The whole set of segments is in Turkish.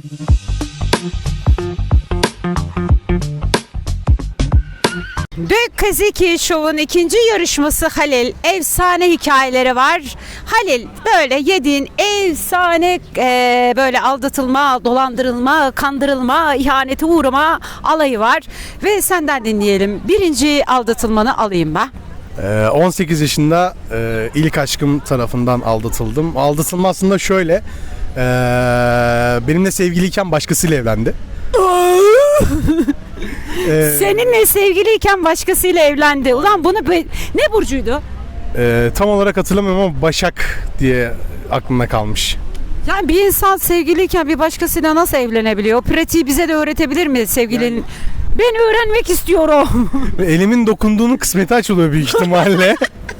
Büyük Kaziki Show'un ikinci yarışması Halil. Efsane hikayeleri var. Halil, böyle yediğin efsane böyle aldatılma, dolandırılma, kandırılma, ihanete uğrama alayı var. Ve senden dinleyelim. Birinci aldatılmanı alayım ben. 18 yaşında ilk aşkım tarafından aldatıldım. Aldatılma aslında şöyle. Benimle sevgiliyken başkasıyla evlendi. Seninle sevgiliyken başkasıyla evlendi. Ulan bunu ne burcuydu? Tam olarak hatırlamıyorum ama Başak diye aklımda kalmış. Yani bir insan sevgiliyken bir başkasıyla nasıl evlenebiliyor? O pratiği bize de öğretebilir mi sevgilinin? Yani... Ben öğrenmek istiyorum. Elimin dokunduğunun kısmeti açılıyor büyük ihtimalle.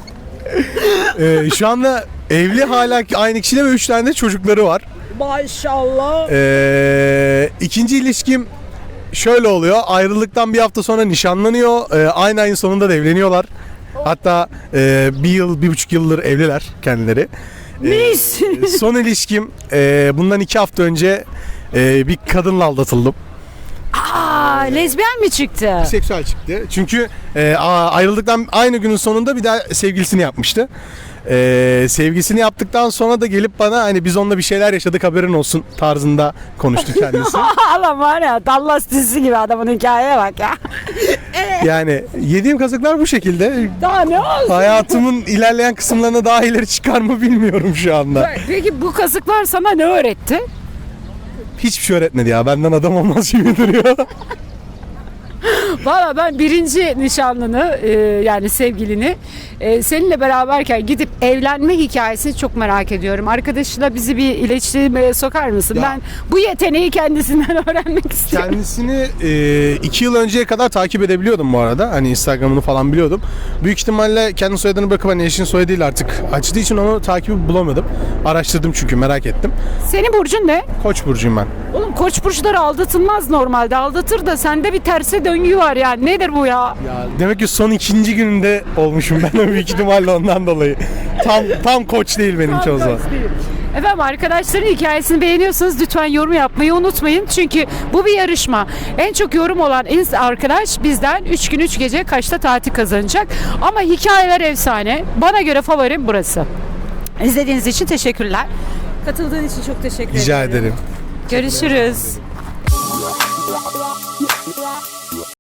Şu anda evli hala aynı kişiyle ve 3 tane de çocukları var. Maşallah. İkinci ilişkim şöyle oluyor. Ayrılıktan bir hafta sonra nişanlanıyor. Aynı ayın sonunda da evleniyorlar. Hatta 1,5 yıldır evliler kendileri. Mis. Son ilişkim bundan 2 hafta önce bir kadınla aldatıldım. Lezbiyen mi çıktı? Seksüel çıktı. Çünkü ayrıldıktan aynı günün sonunda bir daha sevgilisini yapmıştı. Sevgisini yaptıktan sonra da gelip bana hani biz onunla bir şeyler yaşadık haberin olsun tarzında konuştu kendisi. Adam var ya Dallas dizisi gibi adamın hikayeye bak ya. Yani yediğim kazıklar bu şekilde. Daha ne olsun? Hayatımın ilerleyen kısımlarına daha ileri çıkar mı bilmiyorum şu anda. Peki bu kazıklar sana ne öğretti? Hiçbir şey öğretmedi ya. Benden adam olmaz gibi duruyor. Valla ben birinci nişanlını yani sevgilini seninle beraberken gidip evlenme hikayesini çok merak ediyorum. Arkadaşıyla bizi bir iletişime sokar mısın? Ya. Ben bu yeteneği kendisinden öğrenmek istiyorum. Kendisini 2 yıl önceye kadar takip edebiliyordum bu arada. Hani Instagram'ını falan biliyordum. Büyük ihtimalle kendi soyadını bırakıp hani eşin soyadıyla artık açtığı için onu takibi bulamadım. Araştırdım çünkü merak ettim. Senin burcun ne? Koç burcuyum ben. Oğlum koç burçları aldatılmaz normalde. Aldatır da sende bir terse döngü var yani. Nedir bu ya? Ya demek ki son 2. gününde olmuşum ben büyük ihtimalle ondan dolayı. Tam koç değil benim çoğu zaman. Efendim arkadaşların hikayesini beğeniyorsanız lütfen yorum yapmayı unutmayın. Çünkü bu bir yarışma. En çok yorum olan arkadaş bizden 3 gün 3 gece kaçta tatil kazanacak. Ama hikayeler efsane. Bana göre favorim burası. İzlediğiniz için teşekkürler. Katıldığın için çok teşekkür ederim. Rica ederim. Görüşürüz.